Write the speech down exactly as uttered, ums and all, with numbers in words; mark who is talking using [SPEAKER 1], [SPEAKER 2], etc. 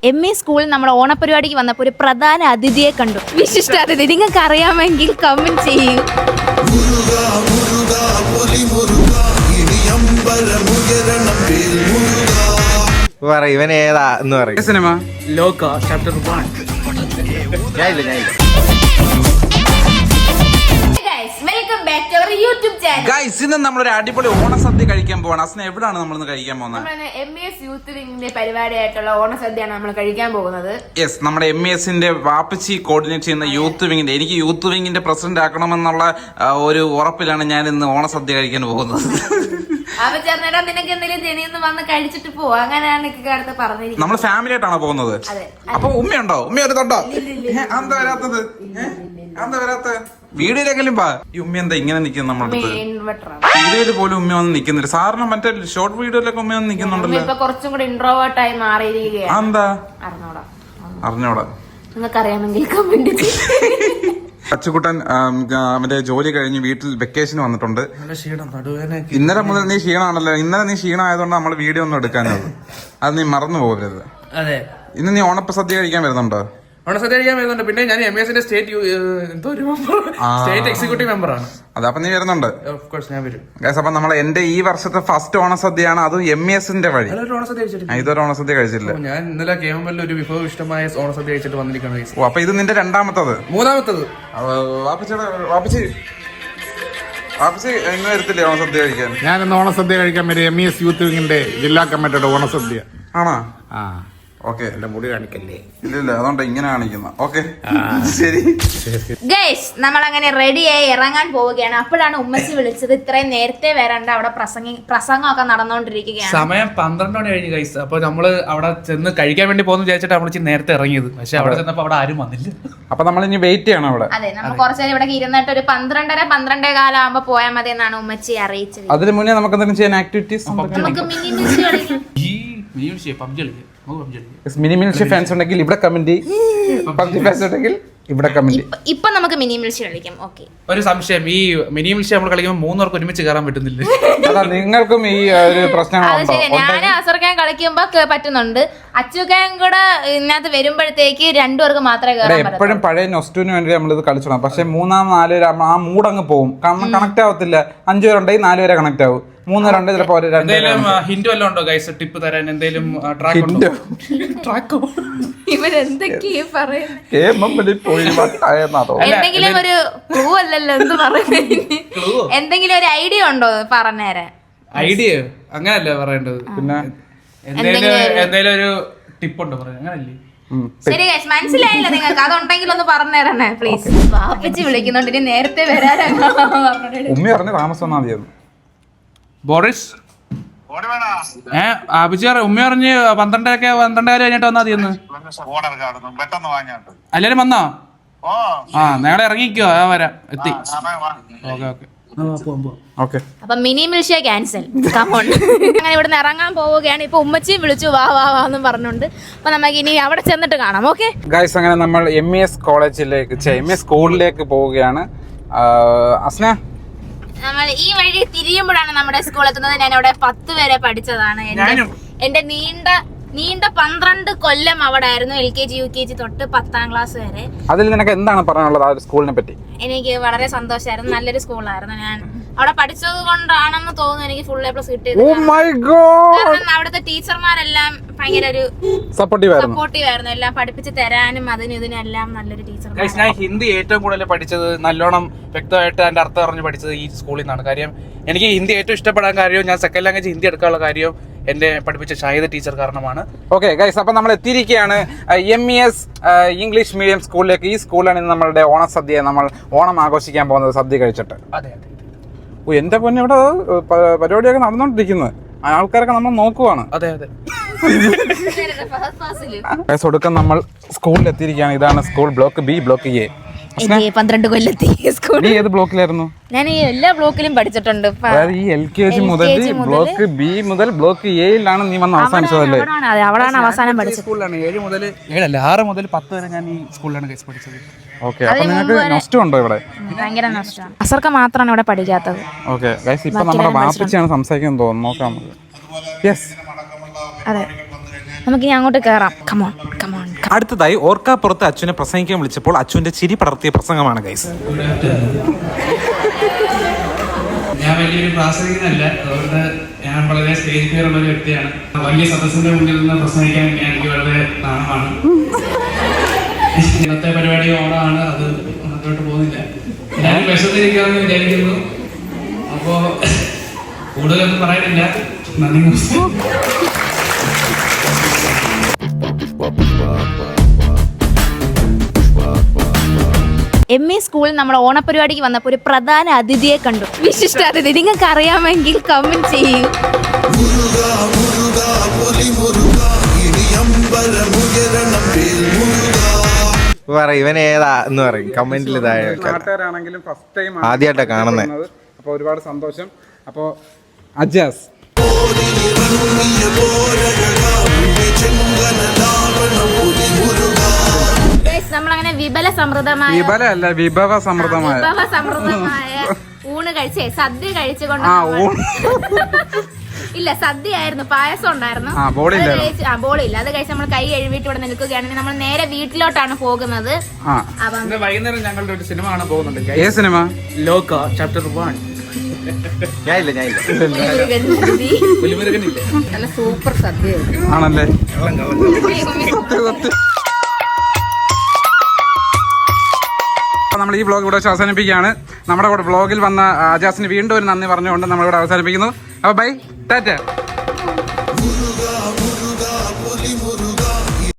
[SPEAKER 1] M E സ്കൂളിൽ നമ്മുടെ ഓണപരിപാടിക്ക് വന്നപ്പോൾ ഒരു പ്രധാന അതിഥിയെ കണ്ടു. വിശിഷ്ട അതിഥി നിങ്ങൾക്ക് അറിയാമെങ്കിൽ കമന്റ് ചെയ്യൂ.
[SPEAKER 2] ഇവൻ ഏതാ എന്ന് പറയും.
[SPEAKER 3] സിനിമ ലോക ചാപ്റ്റർ വൺ.
[SPEAKER 4] ഗൈസ്, ഇന്ന് നമ്മളൊരു അടിപൊളി ഓണസദ്യ കഴിക്കാൻ പോവാണ്. അസ്ന, എവിടാണ് നമ്മൾ ഇന്ന് കഴിക്കാൻ പോകുന്നത്?
[SPEAKER 1] എം ഇ എസ് യൂത്ത് വിങ്ങിന്റെ പരിപാടിയായിട്ടുള്ള ഓണസദ്യയാണ് നമ്മൾ കഴിക്കാൻ പോകുന്നത്.
[SPEAKER 4] യെസ്, നമ്മുടെ എം ഇ എസിന്റെ വാപ്പച്ചി കോർഡിനേറ്റ് ചെയ്യുന്ന യൂത്ത് വിങ്ങിന്റെ, എനിക്ക് യൂത്ത് വിങ്ങിന്റെ പ്രസിഡന്റ് ആക്കണമെന്നുള്ള ആ, ഒരു ഉറപ്പിലാണ് ഞാൻ ഇന്ന് ഓണസദ്യ കഴിക്കാൻ പോകുന്നത്.
[SPEAKER 1] അപ്പൊ ചേർന്നേട്ടാ നിനക്ക് എന്തെങ്കിലും ജനിന്ന് വന്ന് കഴിച്ചിട്ട് പോവാ, അങ്ങനെയാണ് എനിക്ക് അടുത്ത് പറഞ്ഞിരിക്കുന്നത്.
[SPEAKER 4] നമ്മൾ ഫാമിലി ആയിട്ടാണോ പോകുന്നത്? അപ്പൊ ഉമ്മയുണ്ടോ? ഉമ്മ എടുത്തോണ്ടോ? എന്താ വരാത്തത്? എന്താ വരാത്ത? വീഡിയോയിലെങ്കിലും പാ. ഈ ഉമ്മ എന്താ ഇങ്ങനെ നിൽക്കുന്നത് നമ്മുടെ അടുത്ത്? വീഡിയോയിൽ പോലും ഉമ്മ വന്ന് നിൽക്കുന്നില്ല. സാറിന് മറ്റേ ഷോർട്ട് വീഡിയോയിലൊക്കെ ഉമ്മ വന്ന് നിൽക്കുന്നുണ്ടല്ലോ.
[SPEAKER 1] ഇപ്പൊ കുറച്ചും കൂടി ഇൻട്രോവേർട്ട് ആയി മാറിയിരിക്കുകയാണ്.
[SPEAKER 4] എന്താ
[SPEAKER 1] അറിഞ്ഞോടാ
[SPEAKER 4] അറിഞ്ഞോടാ
[SPEAKER 1] നിങ്ങൾക്ക് അറിയാമെങ്കിൽ കമന്റ്
[SPEAKER 4] അച്ചുകുട്ടൻ അവന്റെ ജോലി കഴിഞ്ഞ് വീട്ടിൽ വെക്കേഷൻ വന്നിട്ടുണ്ട്. ഇന്നലെ മുതൽ നീ ക്ഷീണമാണല്ലോ. ഇന്നലെ നീ ക്ഷീണമായതുകൊണ്ട് നമ്മൾ വീഡിയോ ഒന്നും എടുക്കാനത് അത് നീ മറന്നു പോകരുത്.
[SPEAKER 3] അതെ,
[SPEAKER 4] ഇന്ന് നീ ഓണപ്പ സദ്യ കഴിക്കാൻ വരുന്നുണ്ടോ?
[SPEAKER 3] ഓണസദ്യ കഴിക്കാൻ വരുന്നുണ്ട്. പിന്നെ ഞാൻ എം എസിന്റെ സ്റ്റേറ്റ് എന്തോ ഒരു സ്റ്റേറ്റ് എക്സിക്യൂട്ടീവ് മെമ്പർ ആണ്.
[SPEAKER 4] അതെ, അപ്പൊ നീ വരുന്നുണ്ട്.
[SPEAKER 3] ഓഫ് കോഴ്സ് ഞാൻ വരും.
[SPEAKER 4] അപ്പൊ നമ്മൾ എന്റെ ഈ വർഷത്തെ ഫസ്റ്റ് ഓണസദ്യയാണ്, അതും എം എസിന്റെ വഴി.
[SPEAKER 3] ഓണസദ്യ കഴിച്ചിട്ടില്ല.
[SPEAKER 4] ഇതൊരു ഓണസദ്യ കഴിച്ചില്ല.
[SPEAKER 3] ഞാൻ ഇന്നലെ കെ എം എൽ ഒരു വിഭവ ഇഷ്ടമായ ഓണസദ്യ കഴിച്ചിട്ട് വന്നിരിക്കുകയാണ്.
[SPEAKER 4] ഓ, അപ്പൊ ഇത് നിന്റെ രണ്ടാമത്തത്?
[SPEAKER 3] മൂന്നാമത്തത്.
[SPEAKER 4] വാപ്പച്ചിയുടെ വാപ്പച്ചി വാപ്പച്ചി ഇന്ന് വരത്തില്ലേ ഓണസദ്യ കഴിക്കാൻ?
[SPEAKER 5] ഞാൻ ഇന്ന് ഓണസദ്യ കഴിക്കാൻ വരും. എം ഇ എസ് യൂത്ത് വിങ്ങിന്റെ ജില്ലാ കമ്മിറ്റിയുടെ ഓണസദ്യ.
[SPEAKER 4] ആണോ?
[SPEAKER 5] ആ,
[SPEAKER 4] ഓക്കെ.
[SPEAKER 5] എന്റെ മുടി കാണിക്കല്ലേ?
[SPEAKER 4] ഇല്ലില്ല, അതുകൊണ്ട് ഇങ്ങനെ കാണിക്കുന്ന. ഓക്കെ, ശരി.
[SPEAKER 1] ഗൈസ്, നമ്മൾ അങ്ങനെ റെഡിയായി ഇറങ്ങാൻ പോവുകയാണ്. അപ്പോഴാണ് ഉമ്മച്ചി വിളിച്ചത്. ഇത്രയും നേരത്തെ വരണ്ട, അവിടെ പ്രസംഗി പ്രസംഗമൊക്കെ നടന്നുകൊണ്ടിരിക്കുകയാണ്.
[SPEAKER 3] സമയം പന്ത്രണ്ട് മണി കഴിഞ്ഞ് ഗൈസ്. അപ്പൊ നമ്മള് അവിടെ ചെന്ന് കഴിക്കാൻ വേണ്ടി പോകുന്നു വിചാരിച്ചിട്ട് നമ്മൾ ഇച്ചിരി നേരത്തെ ഇറങ്ങിയത്. പക്ഷെ അവിടെ ചെന്നപ്പോ അവിടെ ആരും വന്നില്ല.
[SPEAKER 4] അപ്പൊ നമ്മൾ ഇനി വെയിറ്റ് ചെയ്യണം അവിടെ.
[SPEAKER 1] അതെ, നമ്മൾ കുറച്ചേരം ഇവിടെ ഇരുന്നിട്ട് ഒരു പന്ത്രണ്ടര പന്ത്രണ്ടേ കാലം ആകുമ്പോ പോയാൽ മതി എന്നാണ് ഉമ്മച്ചി അറിയിച്ചത്.
[SPEAKER 4] അതിന് മുന്നേ നമുക്ക് എന്തെങ്കിലും ചെയ്യാൻ ആക്ടിവിറ്റീസ്?
[SPEAKER 1] നമുക്ക് മിനി മിൽസ് കളിക്കാം.
[SPEAKER 3] ഈ മിനി പബ്ജി കളിക്കാം.
[SPEAKER 4] മിനി മിൽസ് ഫാൻസ് ഉണ്ടെങ്കിൽ ഇവിടെ കമന്റ്, പബ്ജി ഫാൻസ് ഉണ്ടെങ്കിൽ ഇവിടെ കമന്റ്.
[SPEAKER 1] ഇപ്പൊ നമുക്ക് മിനി മിൽസ് കളിക്കാം. ഓക്കെ,
[SPEAKER 3] ഒരു സംശയം, ഈ മിനി മിൽസ് നമ്മൾ കളിക്കുമ്പോൾ മൂന്നുപേർക്ക് ഒരുമിച്ച് കയറാൻ പറ്റുന്നില്ല.
[SPEAKER 4] അതാ നിങ്ങൾക്കും ഈ ഒരു പ്രശ്നങ്ങളുണ്ടോ?
[SPEAKER 1] ഞാൻ അസർക്കാൻ കളിക്കുമ്പോ പറ്റുന്നുണ്ട്. അച്ചുക്കാൻ കൂടെ ഇതിനകത്ത് വരുമ്പോഴത്തേക്ക് രണ്ടുപേർക്ക് മാത്രമേ കയറാൻ പറ്റൂ.
[SPEAKER 4] എപ്പോഴും പഴയ നൊസ്റ്റുവിന് വേണ്ടി നമ്മളിത് കളിച്ചോണം. പക്ഷെ മൂന്നാം നാല് പേര് ആ മൂഡ് അങ്ങ് പോകും. കാരണം കണക്ട് ആവത്തില്ല. അഞ്ചു പേരുണ്ടെങ്കിൽ നാല് പേരെ കണക്ട് ആവും. മൂന്ന് രണ്ട് ചിലപ്പോ
[SPEAKER 3] ഹിന്റ് വല്ലതും ഉണ്ടോ ഗൈസ്? ടിപ്പ് തരാൻ എന്തെങ്കിലും ട്രാക്ക് ട്രാക്കോ?
[SPEAKER 1] ഇവരെന്തൊക്കെയാ പറയുന്നത്? എന്തെങ്കിലും ഒരു ക്ലൂ അല്ലല്ലോ എന്ത് പറയുന്നത്? എന്തെങ്കിലും ഒരു ഐഡിയ ഉണ്ടോ പറഞ്ഞുതരാൻ?
[SPEAKER 3] ഐഡിയ അങ്ങനല്ലേ പറയേണ്ടത്. പിന്നെ എന്തെങ്കിലും എന്തെങ്കിലും ഒരു ടിപ്പ് ഉണ്ടോ പറയാൻ? അങ്ങനല്ലേ?
[SPEAKER 1] ശരി ഗൈസ്, മനസ്സിലായില്ല നിങ്ങൾക്ക്? അതുണ്ടെങ്കിൽ ഒന്ന് പറഞ്ഞു തരണേ പ്ലീസ്. വാപ്പച്ചി വിളിക്കുന്നുണ്ട്, ഇനി നേരത്തെ വരാനാണ്.
[SPEAKER 4] ഉമ്മ പറഞ്ഞ താമസം വന്നാൽ മതിയെന്ന്.
[SPEAKER 3] ബോറിസ് ഏ അഭിചാർ ഉമ്മ പറഞ്ഞ് പന്ത്രണ്ടരക്കെ പന്ത്രണ്ടര കഴിഞ്ഞിട്ട് വന്നാ മതിയെന്ന്. എല്ലാരും വന്നോ? ആ, നേരെ ഇറങ്ങിക്കോ. ആ, വരാം, എത്തി. Okay okay
[SPEAKER 4] okay.
[SPEAKER 1] അപ്പൊ മിനി മിൽഷ്യ ക്യാൻസൽ. കമോൺ. അങ്ങനെ ഇവിടുന്ന് ഇറങ്ങാൻ പോവുകയാണ്. ഇപ്പൊ ഉമ്മച്ചിയും വിളിച്ചു വാ വാ വാ എന്നും പറഞ്ഞുണ്ട്. അപ്പൊ നമുക്ക് ഇനി അവിടെ ചെന്നിട്ട് കാണാം. ഓക്കെ
[SPEAKER 4] ഗൈസ്, അങ്ങനെ നമ്മൾ എം ഇ എസ് കോളേജിലേക്ക് എം ഇ എസ് സ്കൂളിലേക്ക് പോവുകയാണ്. അസ്ന,
[SPEAKER 1] നമ്മൾ ഈ വഴി തിരിയുമ്പോഴാണ് നമ്മുടെ സ്കൂൾ എത്തുന്നത്. ഞാൻ അവിടെ പത്ത് വരെ പഠിച്ചതാണ്. എന്റെ നീണ്ട നീണ്ട പന്ത്രണ്ട് കൊല്ലം അവിടെ ആയിരുന്നു. L K G U K G തൊട്ട് പത്താം ക്ലാസ് വരെ.
[SPEAKER 4] അതിൽ നിനക്ക് എന്താണ് പറയാനുള്ളത് ആ സ്കൂളിനെ പറ്റി?
[SPEAKER 1] എനിക്ക് വളരെ സന്തോഷമായിരുന്നു. നല്ലൊരു സ്കൂളായിരുന്നു. ഞാൻ അവിടെ പഠിച്ചത് കൊണ്ടാണെന്ന് തോന്നുന്നു എനിക്ക് ഫുൾ എ പ്ലസ് കിട്ടിയത്. കാരണം അവിടുത്തെ ടീച്ചർമാരെല്ലാം ഭയങ്കര ഒരു സപ്പോർട്ടീവ് ആയിരുന്നു. എല്ലാം പഠിപ്പിച്ച് തരാനും അതിനും ഇതിനും എല്ലാം നല്ലൊരു ടീച്ചർ.
[SPEAKER 3] ഞാൻ ഹിന്ദി ഏറ്റവും കൂടുതൽ പഠിച്ചത്, നല്ലോണം വ്യക്തമായിട്ട് അതിന്റെ അർത്ഥം അറിഞ്ഞ് പഠിച്ചത് ഈ സ്കൂളിൽ നിന്നാണ്. കാര്യം എനിക്ക് ഹിന്ദി ഏറ്റവും ഇഷ്ടപ്പെടാൻ കാര്യവും ഞാൻ സെക്കൻഡ് ലാംഗ്വേജ് ഹിന്ദി എടുക്കാനുള്ള കാര്യവും എന്റെ പഠിപ്പിച്ച ഷാഹിദ ടീച്ചർ കാരണമാണ്.
[SPEAKER 4] ഓക്കെ ഗൈസ്, അപ്പൊ നമ്മൾ എത്തിയിരിക്കുകയാണ് M E S English medium സ്കൂളിലേക്ക്. ഈ സ്കൂളിലാണ് ഇന്ന് നമ്മളുടെ ഓണസദ്യ, നമ്മൾ ഓണം ആഘോഷിക്കാൻ പോകുന്നത് സദ്യ കഴിച്ചിട്ട്.
[SPEAKER 3] അതെ അതെ.
[SPEAKER 4] ഓ, എന്റെ പൊന്നെ, ഇവിടെ പരിപാടിയൊക്കെ നടന്നുകൊണ്ടിരിക്കുന്നത്. ആൾക്കാരൊക്കെ നമ്മൾ നോക്കുവാണ്.
[SPEAKER 3] അതെ അതെ.
[SPEAKER 4] ഒടുക്കം നമ്മൾ സ്കൂളിൽ എത്തിയിരിക്കുകയാണ്. ഇതാണ് school, block B, block A.
[SPEAKER 1] പന്ത്രണ്ട് കൊല്ലത്തി സ്കൂൾ.
[SPEAKER 4] നീ ഏത് ബ്ലോക്കിലായിരുന്നു?
[SPEAKER 1] ഞാൻ ഈ എല്ലാ ബ്ലോക്കിലും പഠിച്ചിട്ടുണ്ട്.
[SPEAKER 4] അതായത് ഈ എൽ കെ ജി മുതൽ ബ്ലോക്ക് ബി മുതൽ ബ്ലോക്ക് എയിലാണ് നീ വന്ന് അവസാനിച്ചതല്ലേ?
[SPEAKER 1] അവിടാണ് അവസാനം പഠിച്ചത്.
[SPEAKER 3] സ്കൂളിലാണ് ഏഴ് മുതൽ ഏഴല്ല ആറ് മുതൽ പത്ത് വരെ ഞാൻ ഈ സ്കൂളിലാണ് കേസ് പഠിച്ചത്.
[SPEAKER 4] ഓക്കെ, അപ്പൊ നിങ്ങൾക്ക് നഷ്ടം ഉണ്ടോ ഇവിടെ?
[SPEAKER 1] ഭയങ്കര നഷ്ടമാണ്. അസർക്ക് മാത്രമാണ് ഇവിടെ പഠിക്കാത്തത്.
[SPEAKER 4] ഓക്കെ ഗൈസ്, ഇപ്പൊ നമ്മുടെ വാപ്പച്ചിയാണ് സംസാരിക്കുന്നത് തോന്നുന്നു. നോക്കാം നമുക്ക്. യെസ്,
[SPEAKER 1] അതെ. നമുക്ക് ഇനി അങ്ങോട്ട് കയറാം. Come on come on.
[SPEAKER 4] അടുത്തതായി ഓർക്കാപ്പുറത്ത് അച്ഛനെ പ്രസംഗിക്കാൻ വിളിച്ചപ്പോൾ അച്ഛന്റെ ചിരി പടർത്തിയ പ്രസംഗമാണ് ഗൈസ്.
[SPEAKER 6] ഞാൻ വലിയൊരു പ്രാസംഗികനല്ല, അതുകൊണ്ട് ഞാൻ വളരെ സ്റ്റേജ് ഫിയർ ഉള്ള ഒരു വ്യക്തിയാണ്. വലിയ സദസ്സിന്റെ മുന്നിൽ നിന്ന് പ്രസംഗിക്കാൻ എനിക്ക് വളരെ നാണമാണ്. ഇന്നത്തെ പരിപാടി ഓണമാണ്, അത് മുന്നോട്ട് പോകുന്നില്ല. ഞാൻ വിശന്നിരിക്കാമെന്ന് വിചാരിക്കുന്നു. അപ്പോ കൂടുതലൊന്നും പറയാനില്ല. നന്ദി.
[SPEAKER 1] എം ഇ സ്കൂളിൽ നമ്മൾ ഓണപരിപാടിക്ക് വന്നപ്പോൾ ഒരു പ്രധാന അതിഥിയെ കണ്ടു. വിശിഷ്ട അതിഥി നിങ്ങൾക്ക് അറിയാമെങ്കിൽ കമന്റ് ചെയ്യൂ.
[SPEAKER 2] പറയും ഇവൻ ഏതാ എന്ന് പറയും കമന്റിൽ താഴെ.
[SPEAKER 4] നാട്ടുകാരാണെങ്കിലും ഫസ്റ്റ് ടൈം
[SPEAKER 2] ആദ്യമായിട്ടാ കാണുന്നത്.
[SPEAKER 4] അപ്പൊ ഒരുപാട് സന്തോഷം. അപ്പൊ അജാസ്
[SPEAKER 1] നമ്മളങ്ങനെ വിപല സമൃദ്ധമായ
[SPEAKER 4] വിപല അല്ല വിഭവ സമൃദ്ധമായ
[SPEAKER 1] വിഭവ സമൃദ്ധമായ ഊണ് കഴിച്ചേ സദ്യ കഴിച്ചുകൊണ്ട് ഇല്ല സദ്യ ആയിരുന്നു, പായസം ഉണ്ടായിരുന്നു. ആ ബോളില്ല, അത് കഴിച്ച് നമ്മൾ കൈ കഴുകിയിട്ട് ഇവിടെ നിൽക്കുകയാണെങ്കിൽ നമ്മൾ നേരെ വീട്ടിലോട്ടാണ് പോകുന്നത്.
[SPEAKER 3] വൈകുന്നേരം ഞങ്ങളുടെ ഒരു സിനിമ കാണാൻ പോകുന്നുണ്ട്.
[SPEAKER 4] ഏത് സിനിമ?
[SPEAKER 3] ലോക ചാപ്റ്റർ വൺ.
[SPEAKER 2] ഞാനില്ല ഞാനില്ല
[SPEAKER 1] നല്ല സൂപ്പർ സദ്യ
[SPEAKER 4] ആണല്ലേ. നമ്മൾ ഈ വ്ളോഗ് ഇവിടെ വെച്ച് അവസാനിപ്പിക്കുകയാണ്. നമ്മുടെ കൂടെ വ്ളോഗിൽ വന്ന അജാസിന് വീണ്ടും ഒരു നന്ദി പറഞ്ഞുകൊണ്ട് നമ്മളിവിടെ അവസാനിപ്പിക്കുന്നു. അപ്പോൾ ബൈ, ടാറ്റ.